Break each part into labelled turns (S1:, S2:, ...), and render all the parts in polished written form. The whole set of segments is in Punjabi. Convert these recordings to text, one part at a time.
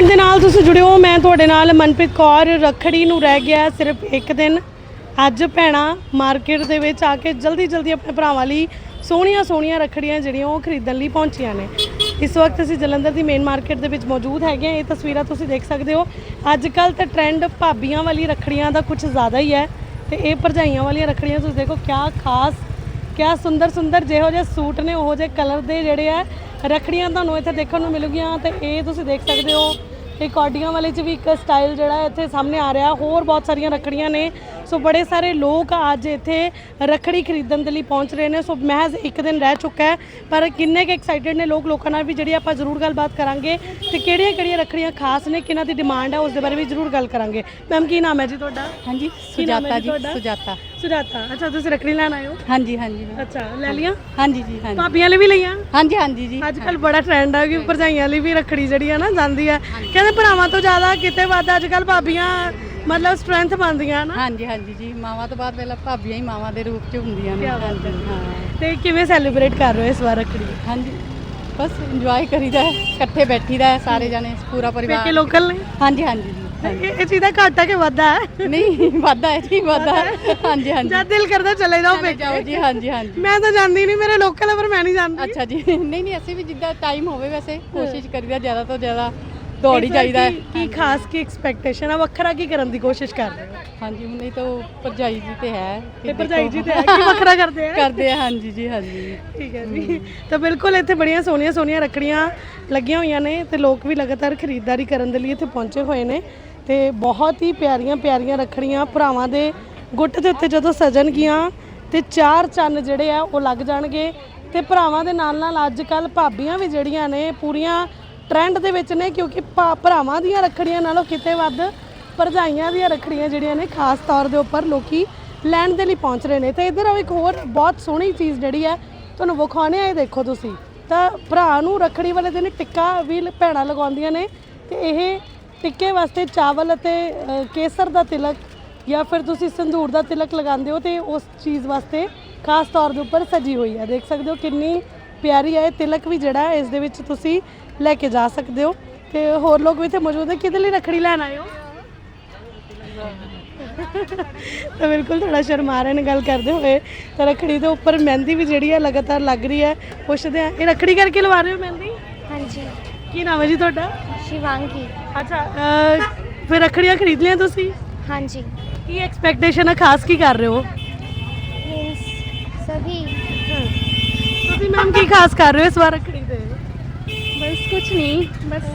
S1: ਕੰਟੈਂਟ ਦੇ ਨਾਲ ਤੁਸੀਂ ਜੁੜਿਓ। ਮੈਂ ਤੁਹਾਡੇ ਨਾਲ ਮਨਪ੍ਰੀਤ ਕੌਰ। ਰੱਖੜੀ ਨੂੰ ਰਹਿ ਗਿਆ ਸਿਰਫ ਇੱਕ ਦਿਨ। ਅੱਜ ਭੈਣਾਂ ਮਾਰਕੀਟ ਦੇ ਵਿੱਚ ਆ ਕੇ ਜਲਦੀ ਆਪਣੇ ਭਰਾਵਾਂ ਲਈ ਸੋਹਣੀਆਂ ਰੱਖੜੀਆਂ ਜਿਹੜੀਆਂ ਉਹ ਖਰੀਦਣ ਲਈ ਪਹੁੰਚੀਆਂ ਨੇ। ਇਸ ਵਕਤ ਅਸੀਂ ਜਲੰਧਰ ਦੀ ਮੇਨ ਮਾਰਕੀਟ ਦੇ ਵਿੱਚ ਮੌਜੂਦ ਹੈਗੇ ਹਾਂ। ਇਹ ਤਸਵੀਰਾਂ ਤੁਸੀਂ ਦੇਖ ਸਕਦੇ ਹੋ। ਅੱਜ ਕੱਲ੍ਹ ਤਾਂ ਟ੍ਰੈਂਡ ਭਾਬੀਆਂ ਵਾਲੀ ਰੱਖੜੀਆਂ ਦਾ ਕੁਝ ਜ਼ਿਆਦਾ ਹੀ ਹੈ ਤੇ ਇਹ ਭਰਜਾਈਆਂ ਵਾਲੀਆਂ ਰੱਖੜੀਆਂ ਤੁਸੀਂ ਦੇਖੋ ਕਿਆ ਖਾਸ, ਕਿਆ ਸੁੰਦਰ ਜਿਹੋ ਜਿਹੇ ਸੂਟ ਨੇ ਉਹੋ ਜਿਹੇ ਕਲਰ ਦੇ ਜਿਹੜੇ ਆ ਰੱਖੜੀਆਂ ਤੁਹਾਨੂੰ ਇੱਥੇ ਦੇਖਣ ਨੂੰ ਮਿਲੂਗੀਆਂ। ਤੇ ਇਹ ਤੁਸੀਂ ਦੇਖ ਸਕਦੇ ਹੋ ਇਹ ਕੌਡੀਆਂ ਵਾਲੇ 'ਚ ਵੀ ਇੱਕ ਸਟਾਈਲ ਜਿਹੜਾ ਇੱਥੇ ਸਾਹਮਣੇ ਆ ਰਿਹਾ। ਹੋਰ ਬਹੁਤ ਸਾਰੀਆਂ ਰੱਖੜੀਆਂ ਨੇ। ਸੋ ਬੜੇ ਸਾਰੇ ਲੋਕ ਅੱਜ ਇੱਥੇ ਰੱਖੜੀ ਖਰੀਦਣ ਦੇ ਲਈ ਪਹੁੰਚ ਰਹੇ ਨੇ। ਸੋ ਮਹਿਜ਼ ਇੱਕ ਦਿਨ ਰਹਿ ਚੁੱਕਾ ਹੈ ਪਰ ਕਿੰਨੇ ਕੁ ਐਕਸਾਈਟਿਡ ਨੇ ਲੋਕਾਂ ਨਾਲ ਵੀ ਜਿਹੜੀ ਆਪਾਂ ਜ਼ਰੂਰ ਗੱਲਬਾਤ ਕਰਾਂਗੇ ਤੇ ਕਿਹੜੀਆਂ ਰੱਖੜੀਆਂ ਖਾਸ ਨੇ, ਕਿਹਨਾਂ ਦੀ ਡਿਮਾਂਡ ਹੈ ਉਸ ਦੇ ਬਾਰੇ ਵੀ ਜ਼ਰੂਰ ਗੱਲ ਕਰਾਂਗੇ। ਮੈਮ ਕੀ ਨਾਮ ਹੈ ਜੀ ਤੁਹਾਡਾ?
S2: ਹਾਂਜੀ ਸੁਜਾਤਾ ਜੀ। ਸੁਜਾਤਾ।
S1: ਅੱਛਾ ਤੁਸੀਂ ਰੱਖੜੀ ਲੈਣ ਆਏ ਹੋ?
S2: ਹਾਂਜੀ।
S1: ਅੱਛਾ ਲੈ ਲੀਆਂ?
S2: ਹਾਂਜੀ ਜੀ। ਹਾਂਜੀ
S1: ਭਾਬੀਆਂ ਲਈ ਵੀ ਲਈਆਂ?
S2: ਹਾਂਜੀ ਜੀ।
S1: ਅੱਜ ਕੱਲ ਬੜਾ ਟ੍ਰੈਂਡ ਹੈ ਕਿ ਭਰਜਾਈਆਂ ਲਈ ਵੀ ਰੱਖੜੀ ਜਿਹੜੀ ਹੈ ਨਾ ਜਾਂਦੀ ਹੈ। ਕਹਿੰਦੇ ਭਰਾਵਾਂ ਤੋਂ ਜ਼ਿਆਦਾ ਕਿਤੇ ਵੱਧ ਅੱਜ ਕੱਲ ਭਾਬੀਆਂ ਮਤਲਬ ਸਟਰੈਂਥ ਬਣਦੀਆਂ ਨਾ।
S2: ਹਾਂਜੀ ਜੀ। ਮਾਵਾਂ ਤੋਂ ਬਾਅਦ ਪਹਿਲਾਂ ਭਾਬੀਆਂ ਹੀ ਮਾਵਾਂ ਦੇ ਰੂਪ 'ਚ ਹੁੰਦੀਆਂ ਨੇ। ਹਾਂਜੀ ਹਾਂ।
S1: ਤੇ ਕਿਵੇਂ ਸੈਲੀਬ੍ਰੇਟ ਕਰ ਰਹੇ ਹੋ ਇਸ ਵਾਰ ਰੱਖੜੀ?
S2: ਹਾਂਜੀ ਬਸ ਇੰਜੋਏ ਕਰੀਦਾ ਹੈ, ਇਕੱਠੇ ਬੈਠੀਦਾ ਹੈ ਸਾਰੇ ਜਣੇ ਪੂਰਾ ਪਰਿਵਾਰ।
S1: ਪੇਕੇ ਲੋਕਲ ਨੇ? ਹਾਂਜੀ
S2: ਜੀ।
S1: ਇਹ ਚੀਜ਼ ਦਾ ਘਾਟਾ ਕਿ ਵਾਧਾ ਹੈ?
S2: ਨਹੀਂ ਵਾਧਾ ਹੈ ਜੀ, ਵਾਧਾ ਹੈ। ਹਾਂਜੀ
S1: ਜਦ ਦਿਲ ਕਰਦਾ ਚਲੇ ਜਾਓ ਪੇਕੇ।
S2: ਜਾਓ ਜੀ। ਹਾਂਜੀ
S1: ਮੈਂ ਤਾਂ ਜਾਂਦੀ ਨਹੀਂ, ਮੇਰੇ ਲੋਕਲ ਹੈ ਪਰ ਮੈਂ ਨਹੀਂ ਜਾਂਦੀ।
S2: ਅੱਛਾ ਜੀ। ਨਹੀਂ ਅਸੀਂ ਵੀ ਜਿੱਦਾਂ ਟਾਈਮ ਹੋਵੇ ਵੈਸੇ ਕੋਸ਼ਿਸ਼ ਕਰੀਦਾ ਜ਼ਿਆਦਾ ਤੋਂ ਜ਼ਿਆਦਾ ਦੌੜ ਹੀ ਜਾਈਦਾ ਹੈ।
S1: ਕੀ ਖਾਸ ਕੀ ਐਕਸਪੈਕਟੇਸ਼ਨ ਆ, ਵੱਖਰਾ ਕੀ ਕਰਨ ਦੀ ਕੋਸ਼ਿਸ਼ ਕਰ ਰਹੇ ਹੋ?
S2: ਹਾਂਜੀ ਹੁਣ ਇਹ ਤਾਂ ਭਰਜਾਈ ਜੀ ਤੇ ਹੈ
S1: ਤੇ ਭਰਜਾਈ ਜੀ ਤੇ ਹੈ ਕਿ ਵੱਖਰਾ ਕਰਦੇ ਆ?
S2: ਹਾਂਜੀ ਜੀ। ਹਾਂਜੀ
S1: ਠੀਕ ਹੈ ਜੀ। ਤਾਂ ਬਿਲਕੁਲ ਇੱਥੇ ਬੜੀਆਂ ਸੋਹਣੀਆਂ ਰੱਖੜੀਆਂ ਲੱਗੀਆਂ ਹੋਈਆਂ ਨੇ ਤੇ ਲੋਕ ਵੀ ਲਗਾਤਾਰ ਖਰੀਦਦਾਰੀ ਕਰਨ ਦੇ ਲਈ ਇੱਥੇ ਪਹੁੰਚੇ ਹੋਏ ਨੇ ਤੇ ਬਹੁਤ ਹੀ ਪਿਆਰੀਆਂ ਰੱਖੜੀਆਂ ਭਰਾਵਾਂ ਦੇ ਗੁੱਟ ਦੇ ਉੱਤੇ ਜਦੋਂ ਸਜਣਗੀਆਂ ਤੇ ਚਾਰ ਚੰਨ ਜਿਹੜੇ ਆ ਉਹ ਲੱਗ ਜਾਣਗੇ। ਤੇ ਭਰਾਵਾਂ ਦੇ ਨਾਲ ਅੱਜ ਕੱਲ ਭਾਬੀਆਂ ਵੀ ਜਿਹੜੀਆਂ ਨੇ ਪੂਰੀਆਂ ਟ੍ਰੈਂਡ ਦੇ ਵਿੱਚ ਨੇ ਕਿਉਂਕਿ ਭਰਾਵਾਂ ਦੀਆਂ ਰੱਖੜੀਆਂ ਨਾਲੋਂ ਕਿਤੇ ਵੱਧ ਭਰਜਾਈਆਂ ਦੀਆਂ ਰੱਖੜੀਆਂ ਜਿਹੜੀਆਂ ਨੇ ਖਾਸ ਤੌਰ ਦੇ ਉੱਪਰ ਲੋਕੀ ਲੈਣ ਦੇ ਲਈ ਪਹੁੰਚ ਰਹੇ ਨੇ। ਤੇ ਇੱਧਰ ਇੱਕ ਹੋਰ ਬਹੁਤ ਸੋਹਣੀ ਚੀਜ਼ ਜਿਹੜੀ ਹੈ ਤੁਹਾਨੂੰ ਵਿਖਾਉਣੇ ਆ। ਇਹ ਦੇਖੋ ਤੁਸੀਂ ਤਾਂ ਭਰਾ ਨੂੰ ਰੱਖੜੀ ਵਾਲੇ ਦਿਨ ਟਿੱਕਾ ਵੀ ਭੈਣਾਂ ਲਗਾਉਂਦੀਆਂ ਨੇ ਤੇ ਇਹ ਟਿੱਕੇ ਵਾਸਤੇ ਚਾਵਲ ਅਤੇ ਕੇਸਰ ਦਾ ਤਿਲਕ ਜਾਂ ਫਿਰ ਤੁਸੀਂ ਸੰਧੂਰ ਦਾ ਤਿਲਕ ਲਗਾਉਂਦੇ ਹੋ ਤੇ ਉਸ ਚੀਜ਼ ਵਾਸਤੇ ਖਾਸ ਤੌਰ ਦੇ ਉੱਪਰ ਸਜੀ ਹੋਈ ਹੈ। ਦੇਖ ਸਕਦੇ ਹੋ ਕਿੰਨੀ ਪਿਆਰੀ ਹੈ। ਇਹ ਤਿਲਕ ਵੀ ਜਿਹੜਾ ਇਸ ਦੇ ਵਿੱਚ ਤੁਸੀਂ ਲੈ ਕੇ ਜਾ ਸਕਦੇ ਹੋ ਤੇ ਹੋਰ ਲੋਕ ਵੀ ਇੱਥੇ ਮੌਜੂਦ ਹੈ। ਕਿਹਦੇ ਲਈ ਰੱਖੜੀ ਲੈਣ ਆਏ ਹੋ? ਤਾਂ ਬਿਲਕੁਲ ਥੋੜਾ ਸ਼ਰਮਾ ਰਹੇ ਨੇ ਗੱਲ ਕਰਦੇ ਹੋਏ। ਤਾਂ ਰੱਖੜੀ ਦੇ ਉੱਪਰ ਮਹਿੰਦੀ ਵੀ ਜਿਹੜੀ ਹੈ ਲਗਾਤਾਰ ਲੱਗ ਰਹੀ ਹੈ। ਪੁੱਛਦੇ ਆ ਇਹ ਰੱਖੜੀ ਕਰਕੇ ਲਵਾ ਰਹੇ ਹੋ ਮਹਿੰਦੀ?
S3: ਹਾਂਜੀ।
S1: ਕੀ ਨਾਮ ਹੈ ਜੀ ਤੁਹਾਡਾ?
S3: ਸ਼ਿਵਾਂਗੀ।
S1: ਅੱਛਾ ਫਿਰ ਰੱਖੜੀਆਂ ਖਰੀਦ ਲਿਆ ਤੁਸੀਂ?
S3: ਹਾਂਜੀ।
S1: ਕੀ ਐਕਸਪੈਕਟੇਸ਼ਨ ਹੈ, ਖਾਸ ਕੀ ਕਰ ਰਹੇ ਹੋ?
S3: ਮੀਨਸ ਸਭੀ।
S1: ਤੁਸੀਂ ਮੈਮ ਕੀ ਖਾਸ ਕਰ ਰਹੇ ਹੋ ਇਸ ਵਾਰ ਰੱਖੜੀ ਤੇ?
S3: ਬਸ ਕੁਝ ਨਹੀਂ, ਬਸ।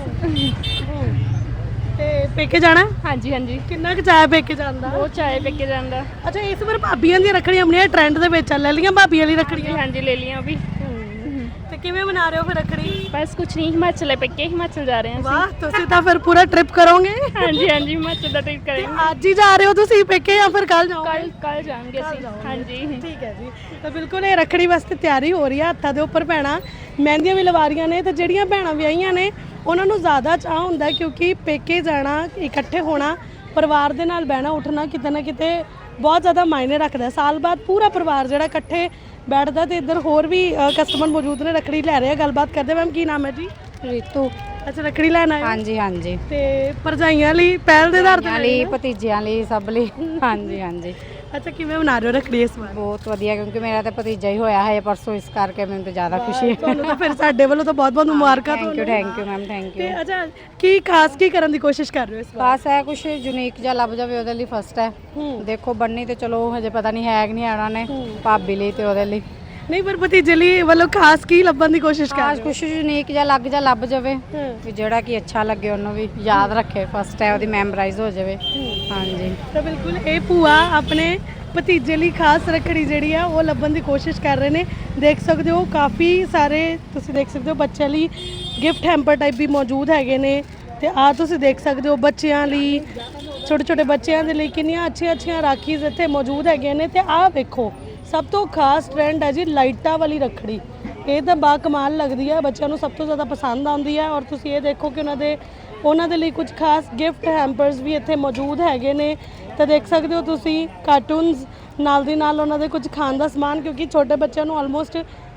S1: ਤੇ ਪੇਕੇ ਜਾਣਾ?
S3: ਹਾਂਜੀ।
S1: ਕਿੰਨਾ ਕੁ ਚਾਹ ਪੇਕੇ ਜਾਣ ਦਾ?
S3: ਬਹੁਤ ਚਾਹੇ ਪੇਕੇ ਜਾਂਦਾ।
S1: ਅੱਛਾ ਇਸ ਵਾਰ ਭਾਬੀਆਂ ਦੀਆਂ ਰੱਖੜੀਆਂ ਆਪਣੀਆਂ ਟ੍ਰੈਂਡ ਦੇ ਵਿੱਚ ਲੈ ਲਈਆਂ ਭਾਬੀਆਂ ਵਾਲੀ ਰੱਖੜੀਆਂ?
S3: ਹਾਂਜੀ ਲੈ ਲੀਆਂ ਵੀ।
S1: ਤੇ ਕਿਵੇਂ ਮਨਾ ਰਹੇ ਹੋ ਫਿਰ ਰੱਖੜੀ?
S3: ਬਸ ਕੁਝ ਨਹੀਂ, ਹਿਮਾਚਲ ਪੇਕੇ ਹਿਮਾਚਲ ਜਾ ਰਹੇ ਹਾਂ।
S1: ਵਾਹ ਤੁਸੀਂ ਤਾਂ ਫਿਰ ਪੂਰਾ ਟ੍ਰਿਪ ਕਰੋਗੇ।
S3: ਹਾਂਜੀ ਹਿਮਾਚਲ ਦਾ ਟ੍ਰਿਪ ਕਰਾਂਗੇ।
S1: ਅੱਜ ਹੀ ਜਾ ਰਹੇ ਹੋ ਤੁਸੀਂ ਪੇਕੇ ਜਾਂ ਫਿਰ ਕੱਲ ਜਾਓਗੇ?
S3: ਕੱਲ ਜਾਵਾਂਗੇ ਅਸੀਂ। ਹਾਂਜੀ
S1: ਠੀਕ ਹੈ ਜੀ। ਤਾਂ ਬਿਲਕੁਲ ਇਹ ਰੱਖੜੀ ਵਾਸਤੇ ਤਿਆਰੀ ਹੋ ਰਹੀ ਹੈ। ਹੱਥਾਂ ਦੇ ਉੱਪਰ ਭੈਣਾਂ ਮਹਿੰਦੀਆਂ ਵੀ ਲਵਾ ਰਹੀਆਂ ਨੇ ਤੇ ਜਿਹੜੀਆਂ ਭੈਣਾਂ ਵਿਆਹੀਆਂ ਨੇ ਉਹਨਾਂ ਨੂੰ ਜ਼ਿਆਦਾ ਚਾਹ ਹੁੰਦਾ ਕਿਉਂਕਿ ਪੇਕੇ ਜਾਣਾ, ਇਕੱਠੇ ਹੋਣਾ, ਪਰਿਵਾਰ ਦੇ ਨਾਲ ਬਹਿਣਾ ਉੱਠਣਾ ਕਿਤੇ ਨਾ ਕਿਤੇ ਬਹੁਤ ਜ਼ਿਆਦਾ ਮਾਇਨੇ ਰੱਖਦਾ। ਸਾਲ ਬਾਅਦ ਪੂਰਾ ਪਰਿਵਾਰ ਜਿਹੜਾ ਇਕੱਠੇ ਬੈਠਦਾ। ਤੇ ਇੱਧਰ ਹੋਰ ਵੀ ਕਸਟਮਰ ਮੌਜੂਦ ਨੇ ਰੱਖੜੀ ਲੈ ਰਹੇ ਆ। ਗੱਲਬਾਤ ਕਰਦੇ। ਮੈਮ ਕੀ ਨਾਮ ਹੈ ਜੀ?
S2: ਰੀਤੂ।
S1: ਅੱਛਾ ਰੱਖੜੀ ਲੈਣ ਆਏ?
S2: ਹਾਂਜੀ।
S1: ਤੇ ਭਰਜਾਈਆਂ ਲਈ ਪਹਿਲ ਦੇ ਆਧਾਰ ਤੇ
S2: ਲਈ, ਭਤੀਜਿਆਂ ਲਈ, ਸਭ ਲਈ। ਹਾਂਜੀ।
S1: ਅੱਛਾ ਕਿਵੇਂ ਮਨਾ ਰਹੇ ਹੋ ਰੱਖੜੀ ਇਸ ਵਾਰ?
S2: ਬਹੁਤ ਵਧੀਆ ਕਿਉਂਕਿ ਮੇਰਾ ਤਾਂ ਭਤੀਜਾ ਹੀ ਹੋਇਆ ਹੈ ਪਰਸੋਂ, ਇਸ ਕਰਕੇ ਮੈਨੂੰ ਤਾਂ ਜ਼ਿਆਦਾ ਖੁਸ਼ੀ ਹੈ।
S1: ਤੁਹਾਨੂੰ ਤਾਂ ਫਿਰ ਸਾਡੇ ਵੱਲੋਂ ਤਾਂ ਬਹੁਤ ਮੁਬਾਰਕਾਂ।
S2: Thank you ma'am, thank you.
S1: ਤੇ ਅੱਛਾ ਕੀ ਖਾਸ ਕੀ ਕਰਨ ਦੀ ਕੋਸ਼ਿਸ਼ ਕਰ ਰਹੇ ਹੋ ਇਸ ਵਾਰ?
S2: ਖਾਸ ਹੈ ਕੁਝ ਯੂਨੀਕ ਜਿਹਾ ਲੱਭ ਜਾਵੇ ਉਹਦੇ ਲਈ ਫਸਟ ਹੈ। ਦੇਖੋ ਬਣਨੀ ਤੇ ਚਲੋ ਹਜੇ ਪਤਾ ਨਹੀਂ ਹੈ ਕਿ ਨਹੀਂ ਆਣਾ ਨੇ ਭਾਬੀ ਲਈ ਤੇ ਉਹਦੇ ਲਈ
S1: ਨਹੀਂ ਪਰ ਭਤੀਜੇ ਲਈ ਵੱਲੋਂ ਖਾਸ ਕੀ ਲੱਭਣ ਦੀ ਕੋਸ਼ਿਸ਼ ਕਰ ਰਹੇ ਹੋ?
S2: ਕੁਝ ਯੂਨੀਕ ਜਿਹਾ ਲੱਭ ਜਾਵੇ ਵੀ ਜਿਹੜਾ ਕਿ ਅੱਛਾ ਲੱਗੇ, ਉਹਨੂੰ ਵੀ ਯਾਦ ਰੱਖੇ, ਫਸਟ ਹੈ ਉਹਦੀ ਮੈਮੋਰਾਈਜ਼ ਹੋ ਜਾਵੇ। ਹਾਂਜੀ
S1: ਤਾਂ ਬਿਲਕੁਲ ਇਹ ਭੂਆ ਆਪਣੇ ਭਤੀਜੇ ਲਈ ਖਾਸ ਰੱਖੜੀ ਜਿਹੜੀ ਆ ਉਹ ਲੱਭਣ ਦੀ ਕੋਸ਼ਿਸ਼ ਕਰ ਰਹੇ ਨੇ। ਦੇਖ ਸਕਦੇ ਹੋ ਕਾਫੀ ਸਾਰੇ ਤੁਸੀਂ ਦੇਖ ਸਕਦੇ ਹੋ ਬੱਚਿਆਂ ਲਈ ਗਿਫਟ ਹੈਂਪਰ ਟਾਈਪ ਵੀ ਮੌਜੂਦ ਹੈਗੇ ਨੇ। ਤੇ ਆ ਤੁਸੀਂ ਦੇਖ ਸਕਦੇ ਹੋ ਬੱਚਿਆਂ ਲਈ, ਛੋਟੇ ਬੱਚਿਆਂ ਦੇ ਲਈ ਕਿੰਨੀਆਂ ਅੱਛੀਆਂ ਰਾਖੀਜ਼ ਇੱਥੇ ਮੌਜੂਦ ਹੈਗੀਆਂ ਨੇ। ਤੇ ਆਹ ਵੇਖੋ ਸਭ ਤੋਂ ਖਾਸ ਟ੍ਰੈਂਡ ਹੈ ਜੀ ਲਾਈਟਾਂ ਵਾਲੀ ਰੱਖੜੀ। ਇਹ ਤਾਂ ਬਾ ਕਮਾਲ ਲੱਗਦੀ ਹੈ, ਬੱਚਿਆਂ ਨੂੰ ਸਭ ਤੋਂ ਜ਼ਿਆਦਾ ਪਸੰਦ ਆਉਂਦੀ ਹੈ। ਔਰ ਤੁਸੀਂ ਇਹ ਦੇਖੋ ਕਿ ਉਹਨਾਂ ਦੇ ਲਈ ਕੁਝ ਖਾਸ ਗਿਫਟ ਹੈਂਪਰਸ ਵੀ ਇੱਥੇ ਮੌਜੂਦ ਹੈਗੇ ਨੇ। ਤਾਂ ਦੇਖ ਸਕਦੇ ਹੋ ਤੁਸੀਂ ਕਾਰਟੂਨਸ ਨਾਲ ਦੀ ਨਾਲ ਉਹਨਾਂ ਦੇ ਕੁਝ ਖਾਣ ਦਾ ਸਮਾਨ ਕਿਉਂਕਿ ਛੋਟੇ ਬੱਚਿਆਂ ਨੂੰ ਆਲਮੋਸਟ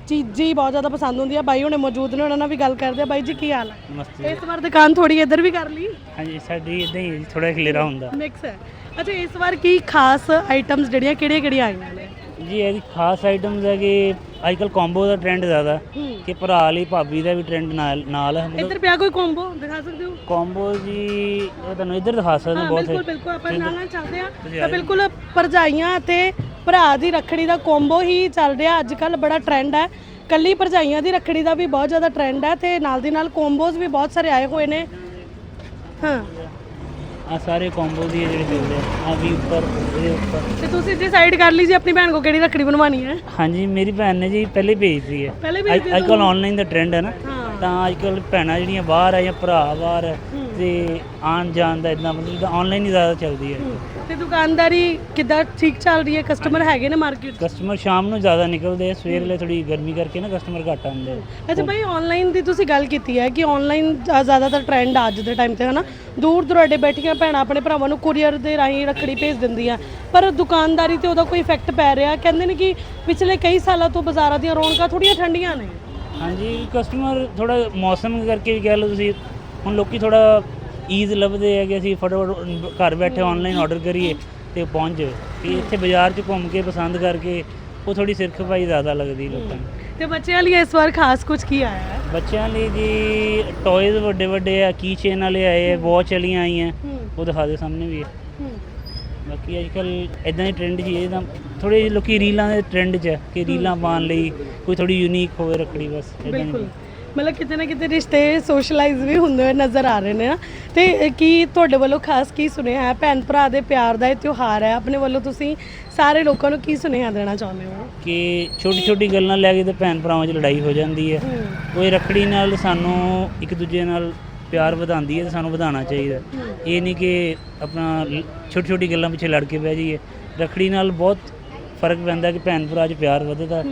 S1: ਚੀਜ਼ਾਂ ਹੀ ਬਹੁਤ ਜ਼ਿਆਦਾ ਪਸੰਦ ਹੁੰਦੀਆਂ। ਬਾਈ ਹੁਣੇ ਮੌਜੂਦ ਨੇ, ਉਹਨਾਂ ਨਾਲ ਵੀ ਗੱਲ ਕਰਦੇ ਆ। ਬਾਈ ਜੀ ਕੀ ਹਾਲ ਹੈ?
S4: ਨਮਸਤੇ।
S1: ਇਸ ਵਾਰ ਦੁਕਾਨ ਥੋੜੀ ਇੱਧਰ ਵੀ ਕਰ ਲਈ,
S4: ਹਾਂਜੀ ਸਾਡੀ ਇਦਾਂ ਹੀ ਥੋੜਾ ਖਲੇਰਾ ਹੁੰਦਾ
S1: ਮਿਕਸ ਹੈ। ਅੱਛਾ, ਇਸ ਵਾਰ ਕੀ ਖਾਸ ਆਈਟਮਸ ਜਿਹੜੀਆਂ ਕਿਹੜੀਆਂ ਆਈਆਂ ਨੇ?
S4: ਜੀ। ਇਹਦੀ ਖਾਸ ਆਈਟਮਸ ਹੈ ਕਿ ਅੱਜ ਕੱਲ੍ਹ ਕੰਬੋ ਦਾ ਟ੍ਰੈਂਡ ਜ਼ਿਆਦਾ ਕਿ ਭਰਾ ਲਈ ਭਾਬੀ ਦਾ ਵੀ ਟ੍ਰੈਂਡ ਨਾਲ ਹੈ।
S1: ਇੱਧਰ ਪਿਆ ਕੋਈ ਕੰਬੋ ਦਿਖਾ ਸਕਦੇ ਹੋ?
S4: ਕੰਬੋ ਜੀ ਇਹ ਤੁਹਾਨੂੰ ਇੱਧਰ ਦਿਖਾ ਸਕਦੇ
S1: ਹਾਂ
S4: ਬਹੁਤ
S1: ਬਿਲਕੁਲ ਬਿਲਕੁਲ, ਆਪਾਂ ਨਾਲ ਚੱਲਦੇ ਆ। ਤਾਂ ਬਿਲਕੁਲ ਭਰਜਾਈਆਂ ਤੇ ਭਰਾ ਦੀ ਰੱਖੜੀ ਦਾ ਕੰਬੋ ਹੀ ਚੱਲ ਰਿਹਾ ਅੱਜ ਕੱਲ, ਬੜਾ ਟ੍ਰੈਂਡ ਹੈ। ਕੱਲੀ ਭਰਜਾਈਆਂ ਦੀ ਰੱਖੜੀ ਦਾ ਵੀ ਬਹੁਤ ਜ਼ਿਆਦਾ ਟ੍ਰੈਂਡ ਹੈ ਤੇ ਨਾਲ ਦੀ ਨਾਲ ਕੰਬੋਜ਼ ਵੀ ਬਹੁਤ ਸਾਰੇ ਆਏ ਹੋਏ ਨੇ। ਹਾਂ,
S4: ਆ ਸਾਰੇ ਕੰਬੋ ਦੀ ਜਿਹੜੇ ਚੱਲਦੇ ਆ ਵੀ ਉੱਪਰ ਇਹਦੇ ਉੱਪਰ।
S1: ਤੇ ਤੁਸੀਂ ਡਿਸਾਈਡ ਕਰ ਲਈ ਜੀ ਆਪਣੀ ਭੈਣ ਕੋ ਕਿਹੜੀ ਰੱਖੜੀ ਬਣਵਾਣੀ ਹੈ?
S4: ਹਾਂਜੀ ਮੇਰੀ ਭੈਣ ਨੇ ਜੀ ਪਹਿਲੇ ਭੇਜਦੀ ਹੈ।
S1: ਪਹਿਲੇ
S4: ਅੱਜ ਕੱਲ੍ਹ ਆਨਲਾਈਨ ਦਾ ਟ੍ਰੈਂਡ ਹੈ ਨਾ,
S1: ਹਾਂ।
S4: ਤਾਂ ਅੱਜ ਕੱਲ੍ਹ ਭੈਣਾਂ ਜਿਹੜੀਆਂ ਬਾਹਰ ਆ ਜਾਂ ਭਰਾ ਬਾਹਰ ਹੈ ਤੇ ਆਉਣ ਜਾਣ ਦਾ ਇਦਾਂ ਮਤਲਬ ਆਨਲਾਈਨ ਹੀ ਜ਼ਿਆਦਾ ਚੱਲਦੀ ਹੈ।
S1: ਤੇ ਦੁਕਾਨਦਾਰੀ ਕਿੱਦਾਂ ਠੀਕ ਚੱਲ ਰਹੀ ਹੈ? ਕਸਟਮਰ ਹੈਗੇ ਨੇ ਮਾਰਕੀਟ?
S4: ਕਸਟਮਰ ਸ਼ਾਮ ਨੂੰ ਜ਼ਿਆਦਾ ਨਿਕਲਦੇ ਆ, ਸਵੇਰ ਵੇਲੇ ਥੋੜੀ ਗਰਮੀ ਕਰਕੇ ਨਾ ਕਸਟਮਰ ਘੱਟ ਆਉਂਦੇ ਆ।
S1: ਅੱਛਾ ਭਾਈ, ਆਨਲਾਈਨ ਦੀ ਤੁਸੀਂ ਗੱਲ ਕੀਤੀ ਹੈ ਕਿ ਆਨਲਾਈਨ ਜ਼ਿਆਦਾਤਰ ਟ੍ਰੈਂਡ ਅੱਜ ਦੇ ਟਾਈਮ ਤੇ ਹਨਾ, ਦੂਰ ਦੁਰਾਡੇ ਬੈਠੀਆਂ ਭੈਣਾਂ ਆਪਣੇ ਭਰਾਵਾਂ ਨੂੰ ਕੁਰੀਅਰ ਦੇ ਰਾਹੀਂ ਰੱਖੜੀ ਭੇਜ ਦਿੰਦੀਆਂ, ਪਰ ਦੁਕਾਨਦਾਰੀ ਤੇ ਉਹਦਾ ਕੋਈ ਇਫੈਕਟ ਪੈ ਰਿਹਾ? ਕਹਿੰਦੇ ਨੇ ਕਿ ਪਿਛਲੇ ਕਈ ਸਾਲਾਂ ਤੋਂ ਬਾਜ਼ਾਰਾਂ ਦੀਆਂ ਰੌਣਕਾਂ ਥੋੜੀਆਂ ਠੰਡੀਆਂ ਨੇ।
S4: ਹਾਂਜੀ ਕਸਟਮਰ ਥੋੜਾ ਮੌਸਮ ਕਰਕੇ ਵੀ ਕਹਿ ਲਓ ਤੁਸੀਂ, ਹੁਣ ਲੋਕੀ ਥੋੜਾ ਈਜ਼ ਲੱਭਦੇ ਆ ਕਿ ਅਸੀਂ ਫਟਾਫਟ ਘਰ ਬੈਠੇ ਆਨਲਾਈਨ ਆਰਡਰ ਕਰੀਏ ਤੇ ਪਹੁੰਚ ਜਾਵੇ। ਕਿ ਇੱਥੇ ਬਾਜ਼ਾਰ 'ਚ ਘੁੰਮ ਕੇ ਪਸੰਦ ਕਰਕੇ ਉਹ ਥੋੜੀ ਸਿਰ ਖਪਾਈ ਜ਼ਿਆਦਾ ਲੱਗਦੀ ਲੋਕਾਂ ਨੂੰ।
S1: ਤੇ ਬੱਚਿਆਂ ਲਈ ਇਸ ਵਾਰ ਖਾਸ ਕੁਝ ਕੀ ਆਇਆ ਹੈ?
S4: ਬੱਚਿਆਂ ਲਈ ਜੀ ਟੌਇਜ਼ ਵੱਡੇ ਵੱਡੇ ਆ, ਕੀ ਚੇਨ ਵਾਲੇ ਆਏ, ਵਾਚ ਵਾਲੀਆਂ ਆਈਆਂ, ਉਹ ਦਿਖਾ ਦੇ ਸਾਹਮਣੇ ਵੀ ਹੈ। ਬਾਕੀ ਅੱਜ ਕੱਲ੍ਹ ਇਦਾਂ ਦੇ ਟ੍ਰੈਂਡ ਜੀ, ਇਹਦਾ ਥੋੜ੍ਹੇ ਲੋਕੀ ਰੀਲਾਂ ਦੇ ਟ੍ਰੈਂਡ 'ਚ ਹੈ ਕਿ ਰੀਲਾਂ ਪਾਉਣ ਲਈ ਕੋਈ ਥੋੜੀ ਯੂਨੀਕ ਹੋਵੇ ਰੱਖੜੀ, ਬਸ ਇੱਦਾਂ
S1: ਬਿਲਕੁਲ,
S4: ਦੀ।
S1: ਮਤਲਬ ਕਿਤੇ ਨਾ ਕਿਤੇ ਰਿਸ਼ਤੇ ਸੋਸ਼ਲਾਈਜ਼ ਵੀ ਹੁੰਦੇ ਹੋਏ ਨਜ਼ਰ ਆ ਰਹੇ ਨੇ ਨਾ। ਤੇ ਕੀ ਤੁਹਾਡੇ ਵੱਲੋਂ ਖਾਸ ਕੀ ਸੁਨੇਹਾ ਹੈ? ਭੈਣ ਭਰਾ ਦੇ ਪਿਆਰ ਦਾ ਇਹ ਤਿਉਹਾਰ ਹੈ, ਆਪਣੇ ਵੱਲੋਂ ਤੁਸੀਂ ਸਾਰੇ ਲੋਕਾਂ ਨੂੰ ਕੀ ਸੁਨੇਹਾ ਦੇਣਾ ਚਾਹੁੰਦੇ ਹੋ? ਕਿ
S4: ਛੋਟੀ ਛੋਟੀ ਗੱਲਾਂ ਲੈ ਕੇ ਤੇ ਭੈਣ ਭਰਾਵਾਂ 'ਚ ਲੜਾਈ ਹੋ ਜਾਂਦੀ ਹੈ। ਉਹ ਰੱਖੜੀ ਨਾਲ ਸਾਨੂੰ ਇੱਕ ਦੂਜੇ ਨਾਲ ਪਿਆਰ ਵਧਾਉਂਦੀ ਹੈ ਤੇ ਸਾਨੂੰ ਵਧਾਉਣਾ ਚਾਹੀਦਾ। ਇਹ ਨਹੀਂ ਕਿ ਆਪਣਾ ਛੋਟੀ ਛੋਟੀ ਗੱਲਾਂ ਪਿੱਛੇ ਲੜ ਕੇ ਬਹਿ ਜਾਈਏ। ਰੱਖੜੀ ਨਾਲ ਬਹੁਤ ਫਰਕ ਪੈਂਦਾ ਕਿ ਭੈਣ ਭਰਾ 'ਚ ਪਿਆਰ ਵਧਦਾ,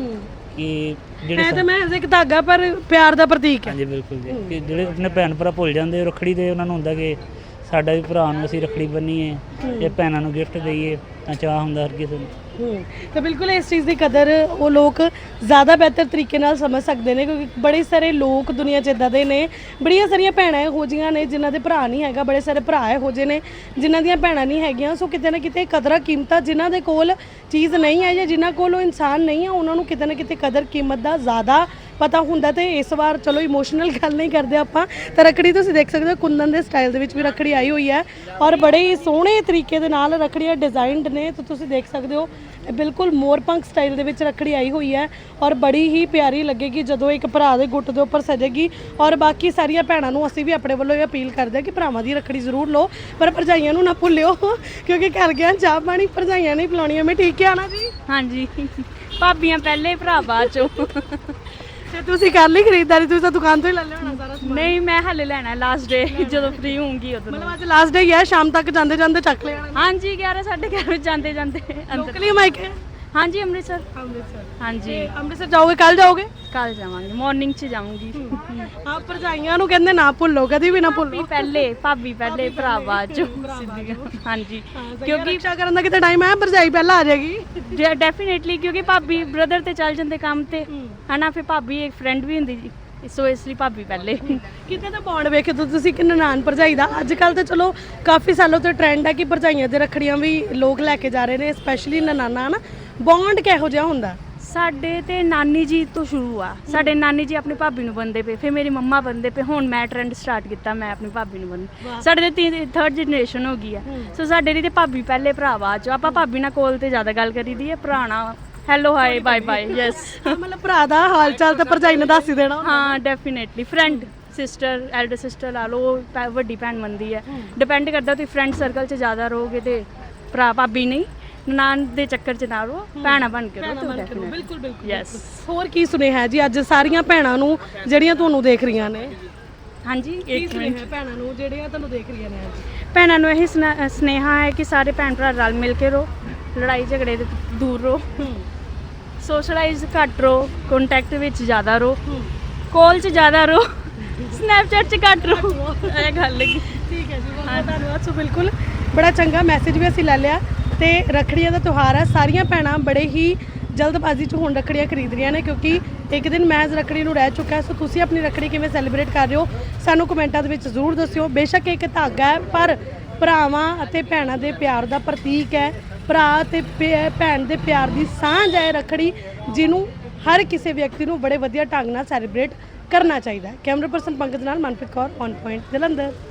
S4: ਕਿ ਜਿਹੜੇ
S1: ਤਾਂ ਮੈਂ ਇੱਕ ਧਾਗਾ ਪਰ ਪਿਆਰ ਦਾ ਪ੍ਰਤੀਕ ਹੈ।
S4: ਹਾਂਜੀ ਬਿਲਕੁਲ ਜੀ, ਕਿ ਜਿਹੜੇ ਆਪਣੇ ਭੈਣ ਭਰਾ ਭੁੱਲ ਜਾਂਦੇ ਰੱਖੜੀ ਤੇ, ਉਹਨਾਂ ਨੂੰ ਹੁੰਦਾ ਕਿ ਸਾਡਾ ਵੀ ਭਰਾ ਨੂੰ ਅਸੀਂ ਰੱਖੜੀ ਬੰਨੀਏ ਜਾਂ ਭੈਣਾਂ ਨੂੰ ਗਿਫਟ ਦਈਏ, ਤਾਂ ਚਾਹ ਹੁੰਦਾ ਹਰ ਕਿਸੇ ਨੂੰ।
S1: ਤਾਂ ਬਿਲਕੁਲ ਇਸ ਚੀਜ਼ ਦੀ ਕਦਰ ਉਹ ਲੋਕ ਜ਼ਿਆਦਾ ਬਿਹਤਰ ਤਰੀਕੇ ਨਾਲ ਸਮਝ ਸਕਦੇ ਨੇ, ਕਿਉਂਕਿ ਬੜੇ ਸਾਰੇ ਲੋਕ ਦੁਨੀਆ 'ਚ ਇੱਦਾਂ ਦੇ ਨੇ, ਬੜੀਆਂ ਸਾਰੀਆਂ ਭੈਣਾਂ ਇਹੋ ਜਿਹੀਆਂ ਨੇ ਜਿਨ੍ਹਾਂ ਦੇ ਭਰਾ ਨਹੀਂ ਹੈਗਾ, ਬੜੇ ਸਾਰੇ ਭਰਾ ਇਹੋ ਜਿਹੇ ਨੇ ਜਿਨ੍ਹਾਂ ਦੀਆਂ ਭੈਣਾਂ ਨਹੀਂ ਹੈਗੀਆਂ। ਸੋ ਕਿਤੇ ਨਾ ਕਿਤੇ ਕਦਰਾਂ ਕੀਮਤਾਂ ਜਿਨ੍ਹਾਂ ਦੇ ਕੋਲ ਚੀਜ਼ ਨਹੀਂ ਹੈ ਜਾਂ ਜਿਨ੍ਹਾਂ ਕੋਲ ਉਹ ਇਨਸਾਨ ਨਹੀਂ ਹੈ, ਉਹਨਾਂ ਨੂੰ ਕਿਤੇ ਨਾ ਕਿਤੇ ਕਦਰ ਕੀਮਤ ਦਾ ਜ਼ਿਆਦਾ ਪਤਾ ਹੁੰਦਾ। ਤੇ ਇਸ ਵਾਰ ਚਲੋ ਇਮੋਸ਼ਨਲ ਗੱਲ ਨਹੀਂ ਕਰਦੇ ਆਪਾਂ, ਤਾਂ ਰੱਖੜੀ ਤੁਸੀਂ ਦੇਖ ਸਕਦੇ ਹੋ ਕੁੰਦਨ ਦੇ ਸਟਾਈਲ ਦੇ ਵਿੱਚ ਵੀ ਰੱਖੜੀ ਆਈ ਹੋਈ ਹੈ ਔਰ ਬੜੇ ਹੀ ਸੋਹਣੇ ਤਰੀਕੇ ਦੇ ਨਾਲ ਰੱਖੜੀਆਂ ਡਿਜ਼ਾਈਨਡ ਨੇ। ਤਾਂ ਤੁਸੀਂ ਦੇਖ ਸਕਦੇ ਹੋ ਬਿਲਕੁਲ ਮੋਰਪੰਖ ਸਟਾਈਲ ਦੇ ਵਿੱਚ ਰੱਖੜੀ ਆਈ ਹੋਈ ਹੈ ਔਰ ਬੜੀ ਹੀ ਪਿਆਰੀ ਲੱਗੇਗੀ ਜਦੋਂ ਇੱਕ ਭਰਾ ਦੇ ਗੁੱਟ ਦੇ ਉੱਪਰ ਸਜੇਗੀ। ਔਰ ਬਾਕੀ ਸਾਰੀਆਂ ਭੈਣਾਂ ਨੂੰ ਅਸੀਂ ਵੀ ਆਪਣੇ ਵੱਲੋਂ ਇਹ ਅਪੀਲ ਕਰਦੇ ਹਾਂ ਕਿ ਭਰਾਵਾਂ ਦੀ ਰੱਖੜੀ ਜ਼ਰੂਰ ਲਓ, ਪਰ ਭਰਜਾਈਆਂ ਨੂੰ ਨਾ ਭੁੱਲਿਓ, ਕਿਉਂਕਿ ਘਰ ਗਿਆ ਚਾਹ ਪਾਣੀ ਭਰਜਾਈਆਂ ਨਹੀਂ ਪਿਲਾਉਣੀਆਂ। ਮੈਂ ਠੀਕ ਹੈ ਨਾ ਜੀ?
S3: ਹਾਂਜੀ, ਭਾਬੀਆਂ ਪਹਿਲੇ ਭਰਾ ਬਾਅਦ ਚੋਂ।
S1: ਤੇ ਤੁਸੀਂ ਕਰ ਲਈ ਖਰੀਦਦਾਰੀ? ਤੁਸੀਂ ਤਾਂ ਦੁਕਾਨ ਤੋਂ ਹੀ ਲੈ ਲਿਆ ਹੋਣਾ ਸਾਰਾ ਸਮਾਨ।
S3: ਨਹੀਂ, ਮੈਂ ਹਲੇ ਲੈਣਾ ਲਾਸਟ ਡੇ, ਜਦੋਂ ਫ੍ਰੀ ਹੋਊਂਗੀ ਉਦੋਂ।
S1: ਮਤਲਬ ਅੱਜ ਲਾਸਟ ਡੇ ਹੀ ਹੈ, ਸ਼ਾਮ ਤੱਕ ਜਾਂਦੇ ਜਾਂਦੇ ਚੱਕ ਲਿਆ?
S3: ਹਾਂਜੀ 11 11:30 ਵਜੇ ਜਾਂਦੇ ਜਾਂਦੇ ਅੰਦਰ।
S1: ਲੋਕਲੀ ਮਾਈਕ ਹੈ?
S3: ਹਾਂਜੀ ਅੰਮ੍ਰਿਤਸਰ।
S1: ਅੰਮ੍ਰਿਤਸਰ।
S3: ਹਾਂਜੀ
S1: ਅੰਮ੍ਰਿਤਸਰ ਜਾਓਗੇ? ਕੱਲ ਜਾਓਗੇ?
S3: ਕੱਲ ਜਾਵਾਂਗੇ, ਮਾਰਨਿੰਗ 'ਚ ਜਾਊਂਗੀ।
S1: ਆਪ ਭਰਜਾਈਆਂ ਨੂੰ ਕਹਿੰਦੇ ਨਾ ਭੁੱਲੋ, ਕਦੀ ਵੀ ਨਾ ਭੁੱਲੋ।
S3: ਭਾਬੀ ਪਹਿਲੇ ਭਰਾ ਬਾਅਦ ਚੋਂ ਸਿੱਧੀਆਂ। ਹਾਂਜੀ,
S1: ਕਿਉਂਕਿ ਰੱਖਿਆ ਕਰਨ ਦਾ ਕਿਤੇ ਟਾਈਮ ਹੈ, ਭਰਜਾਈ ਪਹਿਲਾਂ ਆ ਜਾਏਗੀ।
S3: ਡੈਫੀਨੇਟਲੀ, ਕਿਉਂਕਿ ਭਾਬੀ ਬ੍ਰਦਰ ਤੇ ਚੱਲ ਜਾਂਦੇ ਕੰਮ ਤੇ, ਹਨਾ, ਫਿਰ ਭਾਬੀ ਇੱਕ ਫਰੈਂਡ ਵੀ ਹੁੰਦੀ ਜੀ, ਸੋ ਇਸ ਲਈ ਭਾਬੀ ਪਹਿਲੇ।
S1: ਕਿਤੇ ਤਾਂ ਬੌਂਡ ਵੇਖੇ ਤਾਂ ਤੁਸੀਂ ਕਿ ਨਨਾਣ ਭਰਜਾਈ ਦਾ ਅੱਜ ਕੱਲ ਤਾਂ ਚਲੋ ਕਾਫੀ ਸਾਲੋਂ ਤੋਂ ਟ੍ਰੈਂਡ ਹੈ ਕਿ ਭਰਜਾਈਆਂ ਦੇ ਰੱਖੜੀਆਂ ਵੀ ਲੋਕ ਲੈ ਕੇ ਜਾ ਰਹੇ ਨੇ, ਸਪੈਸ਼ਲੀ ਨਨਾਣਾ ਨਾ। ਬੌਂਡ ਕਿਹੋ ਜਿਹਾ ਹੁੰਦਾ?
S3: ਸਾਡੇ ਤੇ ਨਾਨੀ ਜੀ ਤੋਂ ਸ਼ੁਰੂ ਆ। ਸਾਡੇ ਨਾਨੀ ਜੀ ਆਪਣੀ ਭਾਬੀ ਨੂੰ ਬੰਨਦੇ ਪਏ, ਫਿਰ ਮੇਰੀ ਮੰਮਾ ਬੰਨਦੇ ਪਏ, ਹੁਣ ਮੈਂ ਟ੍ਰੈਂਡ ਸਟਾਰਟ ਕੀਤਾ, ਮੈਂ ਆਪਣੀ ਭਾਬੀ ਨੂੰ ਬੰਨ। ਸਾਡੇ ਤੇ ਥਰਡ ਜਨਰੇਸ਼ਨ ਹੋ ਗਈ ਆ। ਸੋ ਸਾਡੇ ਲਈ ਤੇ ਭਾਬੀ ਪਹਿਲੇ ਭਰਾ ਬਾਅਦ ਚੋਂ। ਆਪਾਂ ਭਾਬੀ ਨਾਲ ਕੋਲ ਤੇ ਜ਼ਿਆਦਾ ਗੱਲ ਕਰੀਦੀ ਹੈ, ਭਰਾ ਨਾਲ hello hi bye bye yes.
S1: ਮਤਲਬ ਭਰਾ ਦਾ ਹਾਲ ਚਾਲ ਤਾਂ ਭਰਜਾਈ ਨੇ ਦੱਸ ਹੀ ਦੇਣਾ।
S3: ਹਾਂ definitely, friend sister elder sister ਲਾ ਲਓ, ਵੱਡੀ ਭੈਣ ਮੰਨਦੀ ਹੈ। ਡਿਪੈਂਡ ਕਰਦਾ ਤੁਸੀਂ ਫਰੈਂਡ ਸਰਕਲ 'ਚ ਜ਼ਿਆਦਾ ਰਹੋਗੇ ਤੇ ਭਰਾ ਭਾਬੀ ਨਹੀਂ, ਨਾਨ ਦੇ ਚੱਕਰ 'ਚ ਨਾ ਰਹੋ, ਭੈਣਾਂ ਬਣ ਕੇ ਰਹੋ।
S1: ਬਿਲਕੁਲ ਬਿਲਕੁਲ
S3: ਯੈਸ।
S1: ਹੋਰ ਕੀ ਸੁਨੇਹਾ ਜੀ ਅੱਜ ਸਾਰੀਆਂ ਭੈਣਾਂ ਨੂੰ ਜਿਹੜੀਆਂ ਤੁਹਾਨੂੰ ਦੇਖ ਰਹੀਆਂ ਨੇ?
S3: ਹਾਂਜੀ, ਇੱਕ ਮਿੰਟ।
S1: ਭੈਣਾਂ ਨੂੰ ਜਿਹੜੀਆਂ ਤੁਹਾਨੂੰ ਦੇਖ ਰਹੀਆਂ ਨੇ ਅੱਜ?
S3: ਭੈਣਾਂ ਨੂੰ ਇਹੀ ਸੁਨੇਹਾ ਹੈ ਕਿ ਸਾਰੇ ਭੈਣ ਭਰਾ ਰਲ ਮਿਲ ਕੇ ਰਹੋ, ਲੜਾਈ ਝਗੜੇ ਤੋਂ ਦੂਰ ਰਹੋ, ਸੋਸ਼ਲਾਈਜ਼ ਘੱਟ ਰਹੋ, ਕੰਟੈਕਟ ਵਿੱਚ ਜ਼ਿਆਦਾ ਰਹੋ, ਕਾਲ 'ਚ ਜ਼ਿਆਦਾ ਰਹੋ, ਸਨੈਪਚੈਟ 'ਚ ਘੱਟ ਰਹੋ। ਇਹ ਗੱਲ ਲੱਗੀ।
S1: ਠੀਕ ਹੈ ਜੀ, ਬਹੁਤ ਧੰਨਵਾਦ। ਸੋ ਬਿਲਕੁਲ ਬੜਾ ਚੰਗਾ ਮੈਸੇਜ ਵੀ ਅਸੀਂ ਲੈ ਲਿਆ। ਤੇ ਰੱਖੜੀਆਂ ਦਾ ਤਿਉਹਾਰ ਹੈ, ਸਾਰੀਆਂ ਭੈਣਾਂ ਬੜੇ ਹੀ ਜਲਦਬਾਜ਼ੀ 'ਚ ਹੁਣ ਰੱਖੜੀਆਂ ਖਰੀਦ ਰਹੀਆਂ ਨੇ, ਕਿਉਂਕਿ ਇੱਕ ਦਿਨ ਮਹਿਜ਼ ਰੱਖੜੀ ਨੂੰ ਰਹਿ ਚੁੱਕਾ ਹੈ। ਸੋ ਤੁਸੀਂ ਆਪਣੀ ਰੱਖੜੀ ਕਿਵੇਂ ਸੈਲੀਬ੍ਰੇਟ ਕਰ ਰਹੇ ਹੋ ਸਾਨੂੰ ਕਮੈਂਟਾਂ ਦੇ ਵਿੱਚ ਜ਼ਰੂਰ ਦੱਸਿਓ। ਬੇਸ਼ੱਕ ਇੱਕ ਧਾਗਾ ਹੈ, ਪਰ ਭਰਾਵਾਂ ਅਤੇ ਭੈਣਾਂ ਦੇ ਪਿਆਰ ਦਾ ਪ੍ਰਤੀਕ ਹੈ। ਭਰਾ ਅਤੇ ਭੈਣ ਦੇ ਪਿਆਰ ਦੀ ਸਾਂਝ ਹੈ ਰੱਖੜੀ, ਜਿਹਨੂੰ ਹਰ ਕਿਸੇ ਵਿਅਕਤੀ ਨੂੰ ਬੜੇ ਵਧੀਆ ਢੰਗ ਨਾਲ ਸੈਲੀਬ੍ਰੇਟ ਕਰਨਾ ਚਾਹੀਦਾ ਹੈ। ਕੈਮਰਾ ਪਰਸਨ ਪੰਕਜ ਨਾਲ ਮਨਪ੍ਰੀਤ ਕੌਰ, ਔਨ ਪੁਆਇੰਟ, ਜਲੰਧਰ।